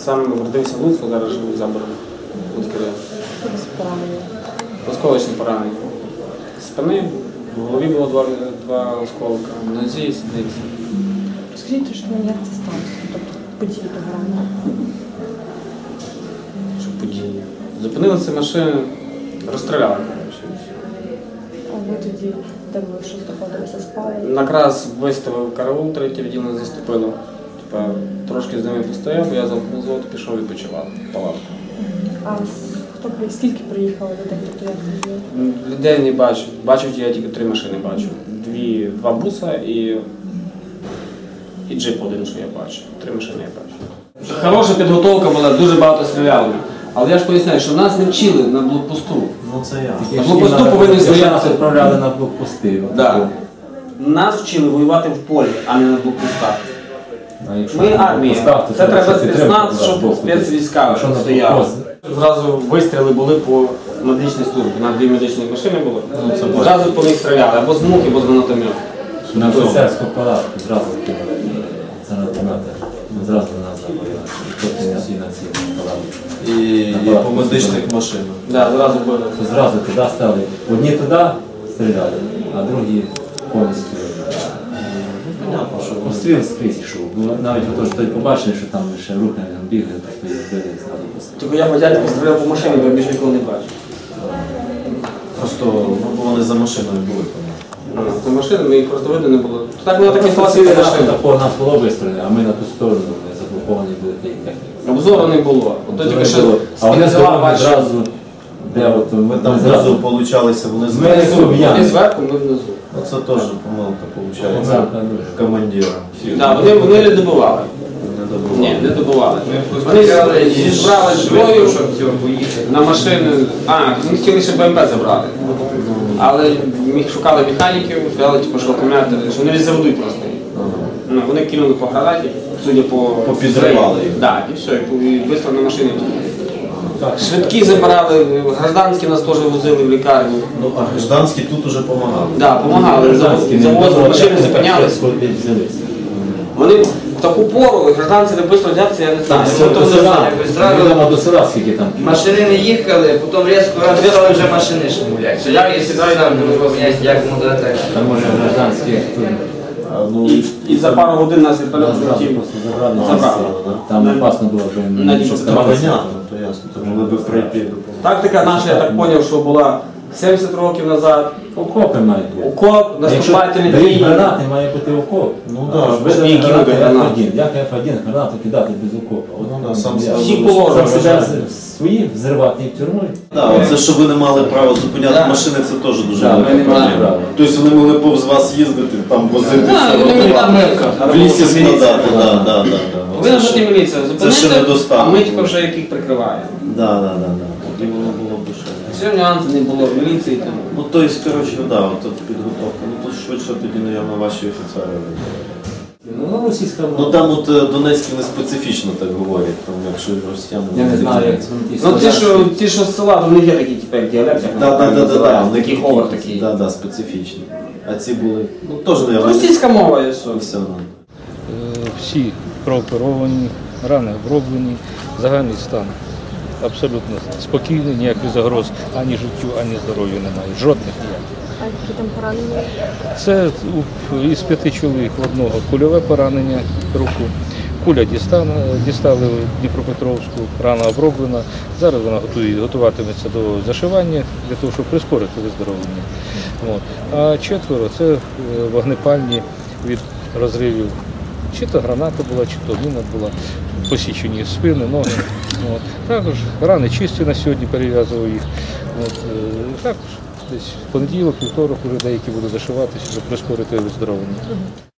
Сам родився в Луцьку, зараз живу за Бором. Луцький район. Осколочні поранення. Спини, в голові було два осколка, в нозі і сідниці. Скажіть трошки, як це сталося? Тобто події того ранку? Що події? Зупинилися машини, розстріляли. А ви тоді, де ви що знаходилися, спали? Накраз виставив караул, третє відділення заступило. Трошки з ними постояв, я замкнув звод, пішов відпочивати в палатку. А скільки приїхало людей? Тобто як це було? Людей не бачив. Бачив я тільки 3 машини бачив. Два буса і джип один, що я бачив. 3 машини я бачив. Хороша підготовка була, дуже багато стріляли. Але я ж поясняю, що нас не вчили на блокпосту. Ну це я. На блокпосту повинні стояти. Нас відправляли на блокпости. Да. Нас вчили воювати в полі, а не на блокпостах. Ми армія. Це треба спецназ, щоб спецвійська стояли. Зразу вистріли були по медичній службі. У нас 2 медичні машини було. Зразу по них стріляли, або з мук, або з гранатомету. На офіцерську палатку зразу кинули. Це гранати. Зразу до нас забили. Потім всі на ці палатки. І по медичних машинах. Так, зразу били. Зразу туди стали. Одні туди стріляли, а другі повністю. Понятно, що Постріл скрізь йшов. Навіть той побачили, що там ще рухи бігли, то били зразу постріл. Тільки я по дядьку стріляв по машині, бо я більше ніколи не бачив. просто вони за машиною були. За машинами їх просто видно не було. Так було такі ситуації за машиною. По нас було вистріляно, а ми на ту сторону заблоковані були тієї техніки. Обзору не було. От тільки що а вони спінзила зразу, де от Ми там зразу получалися, вони Вони зверху, ми внизу. Оце теж помилка виходить. Командира. Вони не добивали. Ні, не добували. Вони зібрали зброю на машини. Ми хотіли ще БМП забрати. Але шукали механіків, сказали, що акумулятори, що вони заведуть просто. Вони кинули по гранаті, судя по... Попідривали їх. Так, і все, і швидко на машини. Швидкі забирали, гражданські нас теж возили в лікарню. Ну, а гражданські тут уже допомагали. Так, допомагали, завозили, машини зупинялися. Вони в таку пору, гражданці не швидко взяти, я не знаю. До села скільки там. Машини не їхали, потім різко стали вже машини шмулять. Як і сідаю нам, як модати. Там може гражданські. І за пару годин нас відправили. Забрали. Там опасно було вже. Понятно, то ясно. То могли б прийти. Тактика наша, я так зрозумів, що була 70 років назад. Окопи мають бути. Окоп, наступательні дають дії. гранати, має бути окоп. Ну так, Які кинути гранати? Як F1 гранату кидати без окопа? Всі положені. Свої взривати і в тюрму. Так, оце, що ви не мали права зупиняти машини, це теж дуже велика проблема. Тобто вони могли повз вас їздити, там возитися, в лісі складати. Повинна бути міліція. Це ще Зупинити, недостатньо. а ми тільки вже яких прикриваємо. Так. Тоді воно було б ще. Все нюанси не було в міліції. Ну, тобто, коротше, так, от підготовка. Ну, тут швидше тоді, мабуть, ваші офіцери. Ну, російська мова. Ну, там от Донецькі не специфічно так говорять, там, якщо росіяни... Я не знаю, як це. Ну, ті, що з села, то в них є такі тепер діалекти. Так, Такий говор такий. Так, специфічні. А ці були, ну, теж, мабуть... Російська мова і все. Все, Всі прооперовані, рани оброблені, загальний стан абсолютно спокійний, ніяких загроз ані життю, ані здоров'ю немає, жодних ніяких. А які там поранення? Це із 5 чоловік в одного кульове поранення руку, куля дістали в Дніпропетровську, рана оброблена, зараз вона готуватиметься до зашивання для того, щоб прискорити виздоровлення. А 4 – це вогнепальні від розривів. Чи то граната була, чи то міна була, посічені спини, ноги. Також рани чисті на сьогодні, перев'язував їх. Також десь в понеділок, вівторок вже деякі будуть зашиватися, щоб прискорити виздоровлення.